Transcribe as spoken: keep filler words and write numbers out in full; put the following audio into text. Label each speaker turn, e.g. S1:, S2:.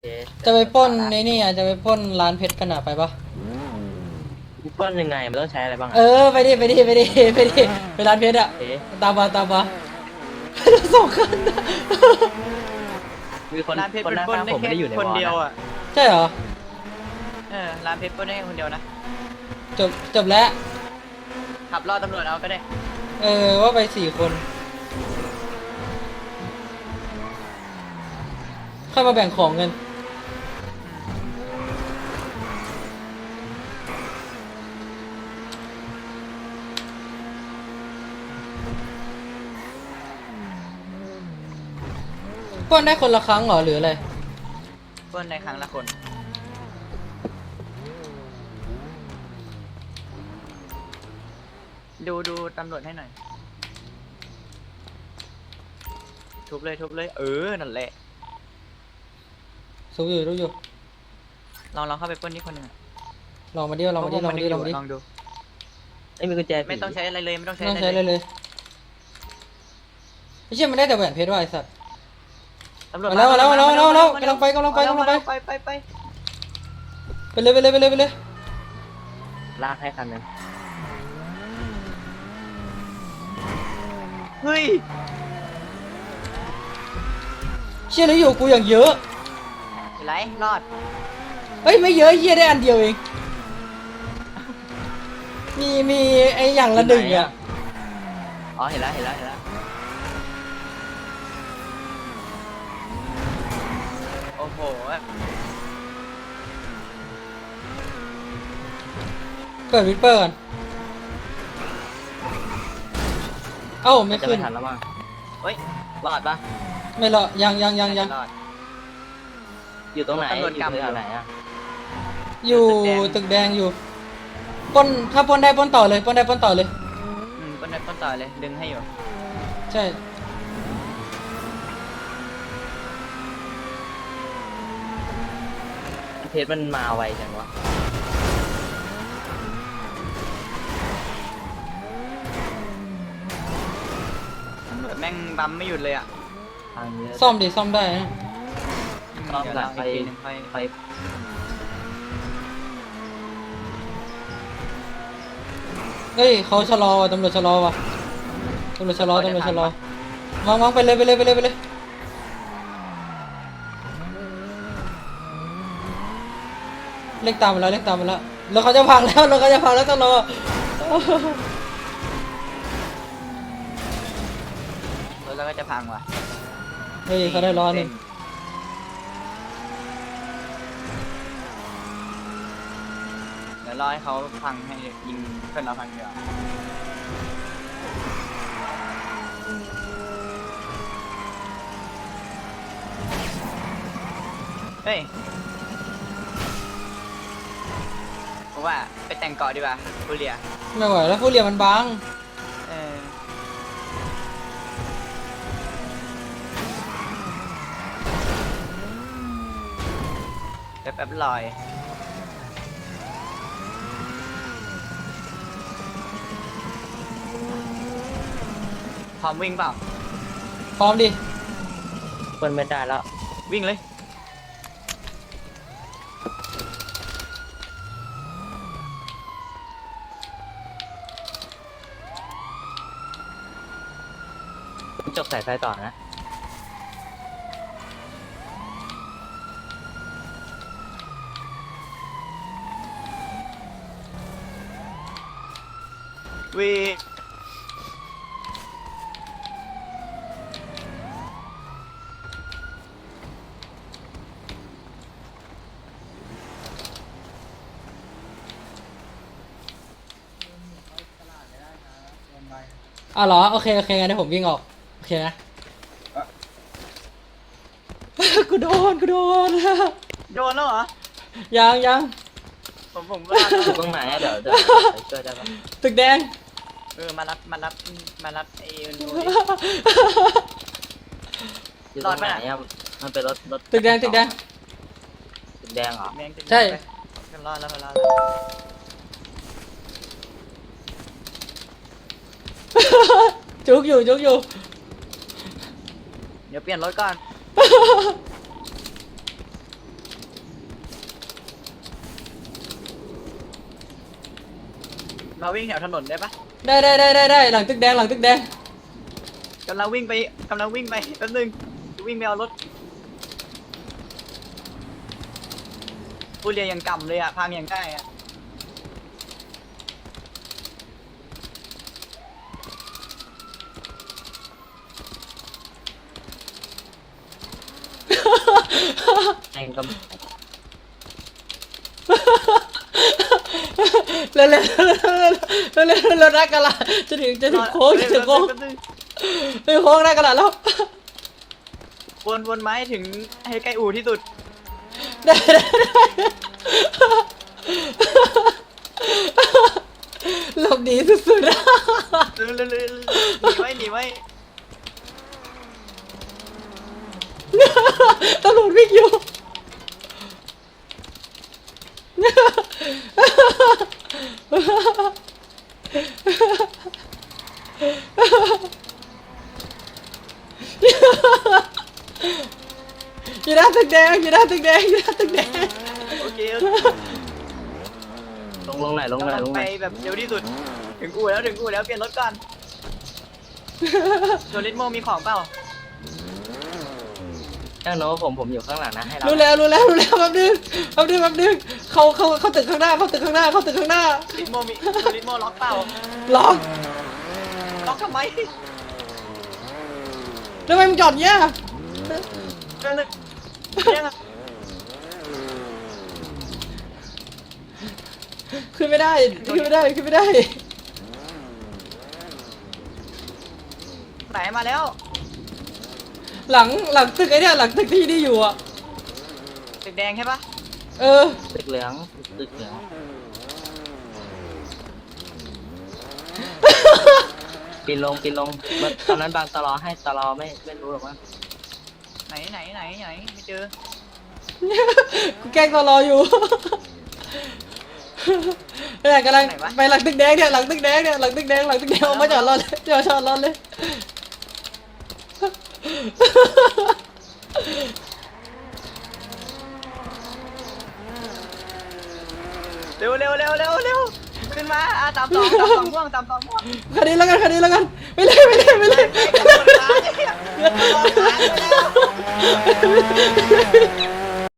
S1: จะไปปล้นในนี่อ่ะจะไปปล้นร้านเพชรกันอ่ะไปปะ
S2: ปล้นยังไงมันต้องใช้อะไรบ้าง
S1: เออไปดิไปดิไปดิไปดิไปร้านเพชรอ่ะตามมาตามมาสองคัน
S2: มีคน
S3: ร้านเพชร
S2: คน
S3: เป็น
S2: หน้า
S3: ปล้น
S2: ตา
S3: ได้
S2: ผมไม่
S3: แค่
S2: ได้อยู่ใน
S3: คน
S2: วอล
S3: เดียวอ่ะ
S1: ใช่เหรอ
S3: เออร้านเพชรปล้นได้แค่คนเดียวนะ
S1: จบจบแล้ว
S3: ขับล่อตำรวจเอาก็ได้
S1: เออว่าไปสี่คนค่อยมาแบ่งของกันปล้นได้คนละครั้งเหรอหรืออะไร
S3: ปล้นในครั้งละคนดูดูตำรวจให้หน่อยทุบเลยทุบเลยเออนั่นแหละ
S1: สู้อยู่รู้อยู่
S3: ลองลองเข้าไปปล้นนี่คนหนึ่งอะ
S1: ลองมาดิลองมาดิลองมาดิลองมาดิ
S3: ลองดู
S2: ไอ้มีกุญแจผี
S3: ไม่ต้องใช้อะไรเลยไม่ต้องใช้
S1: ไม่
S3: อะ
S1: ต้อง
S3: ไร
S1: ใช้เลยเลยไม่ใช่มันได้แต่แหวนเพชรว่ะไอ้สัตว์
S3: ตำรวจ
S1: มาแล้วมาแล้วมาแล้วมาแล้วมาแล้วกำลังไปกำลังไปกำลังไป
S3: ไปไปไป
S1: ไปเลยไปเลยไปเลยไปเลย
S2: ลากให้คันหนึง
S3: เฮ้ย
S1: เชี่ยแล้วอยู่กูอย่างเยอะ
S3: เป็นไรรอด
S1: เฮ้ยไม่เยอะเฮียได้อันเดียวเองมีมีไออย่างละหนึ่งอ่ะ
S2: อ๋อเห็นแล้วเห็นแล้วเห็นแล้ว
S3: โอ้โห
S1: เปิดวิปเปอร์ก่อนเอ้าไม่
S2: จะ
S1: ขึ้
S2: ไม่
S1: น
S2: ทันแล้วมั้ง
S3: เฮ้ย
S2: รอดปะ
S1: ไม่รอยังยังยังยัง
S3: รอด
S2: อยู่ตรงไหน
S3: ตำรวจ
S2: อยู่
S3: กำ
S2: แถวไหนอ่ะ
S1: อยู่ตึกแดงอยู่ปล้นถ้าปล้นได้ปล้นต่อเลยปล้นได้ปล้นต่อเลย
S3: อืมต้นต้นต่อเลยดึงให้อยู่
S1: ใช่
S2: เพชรมันมาไวจังวะ
S3: ตำรวจแม่งบัมไม่หยุดเลยอ่ะ
S2: ทางเยอะ
S1: ซ่อมดิซ่อมได้นะ
S2: ซ่อม
S3: เดี๋ยว
S2: หลั
S3: เรา
S2: ง
S3: อี
S2: ไป
S3: กทีหนึงค่อย
S2: ไป
S1: เฮ้ยเขาชะลอว่ะตำรวจชะลอว่ะตำรวจชะลอตำรวจชะลอวางวางไปเลยไปเลยไปเลยไปเลยเล็กตามมาแล้วเล็กตามมาแล้วแล้วเขาจะพังแล้วแล้วเขาจะพังแล้วต้องรอ
S3: รถเราก็จะพังว่ะ
S1: เฮ้ยเขาได้ร้อนหนึ่ง
S3: เดี๋ยวรอให้เขาพังให้ยิงเพื่อนเราพังเดียวาเฮ้ยผมว่าไปแต่งเกาะดีกว่าบุเรีย
S1: ไม่ไหวแล้วฟูเรียมันบาง
S3: เออแป๊บแป๊บลอยพร้อมวิ่งเปล่า
S1: พร้อมดิ
S2: เปิดไม่ได้แล้ว
S3: วิ่งเลย
S2: จบสายไฟต่อนะ
S3: วิ่ง
S1: อ่ะเหรอโอเคโอเคงั้นเดี๋ยวผมวิ่งออกโอเคนะ กูโดนกูโดน
S3: โดนแล้วเหรอ
S1: ยังยัง
S3: ผมผมก็ลาก
S2: อยู่ตรงไหนอะเดี๋ยวเดี๋ยวไปช่วยได้ปะ
S1: ตึกแดง
S3: เออมารับมารับมารับไอ้หนูดิ
S2: อยู่ตรงไหนอะมันเป็นรถรถ
S1: ตึกแดงตึกแดง
S2: ตึกแดงเหรอ
S3: แม่งจะ
S1: ใช่
S3: กันรอดแล้วกันรอดแล้ว
S1: จุกอยู่จุกอยู่
S3: เดี๋ยวเปลี่ยนรถก่อนเราวิ่งแถวถนนได้ปะ
S1: ได้ได้ได้ได้ได้หลังตึกแดงหลังตึกแดง
S3: กำลังวิ่งไปกำลังวิ่งไปแป๊บนึงวิ่งไปเอารถผู้เรียนยังกำเลยอะพังยังได้อะ
S2: แองก็
S1: เร็วเร็วเร็วเร็วเร็วเร็วนักกะละจะถึงจะถึงโค้งจะถึงโค้ง
S3: แป๊บนึง
S1: ถึงโค้งนักกะละแล้ว
S3: วนวนไม้ถึงให้ใกล้อู่ที่สุด
S1: ได้ได้ได้หลบหนีสุดๆ
S3: เร็วเร็วเร็วหนีไว้หนีไว้
S1: ตำรวจวิ่งอยู่อยู่หน้าตึกแดงอยู่หน้าตึกแดงอยู่หน้าตึกแดง
S3: โอเคโอเค
S2: ลงลงไหนอยลงไหนอยลงไห
S3: ไป
S2: นอย
S3: แบบเร็วที่สุด ถึงอู่แล้วถึงอู่แล้วเปลี่ยนรถก่อนโดริสโมมีของเปล่า
S2: ช่างโน้ผมผมอยู่ข้างหลังนะให้เรา
S1: รู้แล้วรู้แล้วรู้แล้วแป๊บนึงแป๊บนึงแป๊บนึงเขาเขาเขาตึกข้างหน้าเขาตึกข้างหน้าเขาตึกข้างหน้า
S3: ลิสโมมีโดริสโมล็อกเปล่า
S1: ล็อก
S3: ล็อกทำไม
S1: แล้วทำไมมึงจอดเนี้ย
S3: เรื่องนึงยังอะ
S1: ขึ้นไม่ได้ขึ้นไม่ได้ขึ้นไม่ได้
S3: ไหนมาแล้ว
S1: หลังหลังตึกไอ้เนี่ยหลังตึกที่นี่อยู่อ่ะ
S3: ตึกแดงใช่ปะ
S1: เออ
S2: ตึกเหลืองตึกเหลืองปีนลงปีนลงตอนนั้นบางตลอให้ตลอไม่ไม่รู้หรอกว่า
S3: ไหนไหนไหนไหนไม่เจอ
S1: กูแกล้งตอรออยู่เนี่ยกำลังไปหลังตึกแดงเนี่ยหลังตึกแดงเนี่ยหลังตึกแดงหลังตึกแดงเอามาจอดรอเลยจอดจอดรอเลย
S3: เร็วเร็วเร็วเร็วเร็วขึ้นมาอ่ะตามสองตามสองม่วงตามสองม่วง
S1: คันนี้แล้วกันคันนี้แล้วกันไม่เลยไม่เลยไม่เลย
S3: ไปกันหมดร้านเลยอะหมดร้านไปแล้ว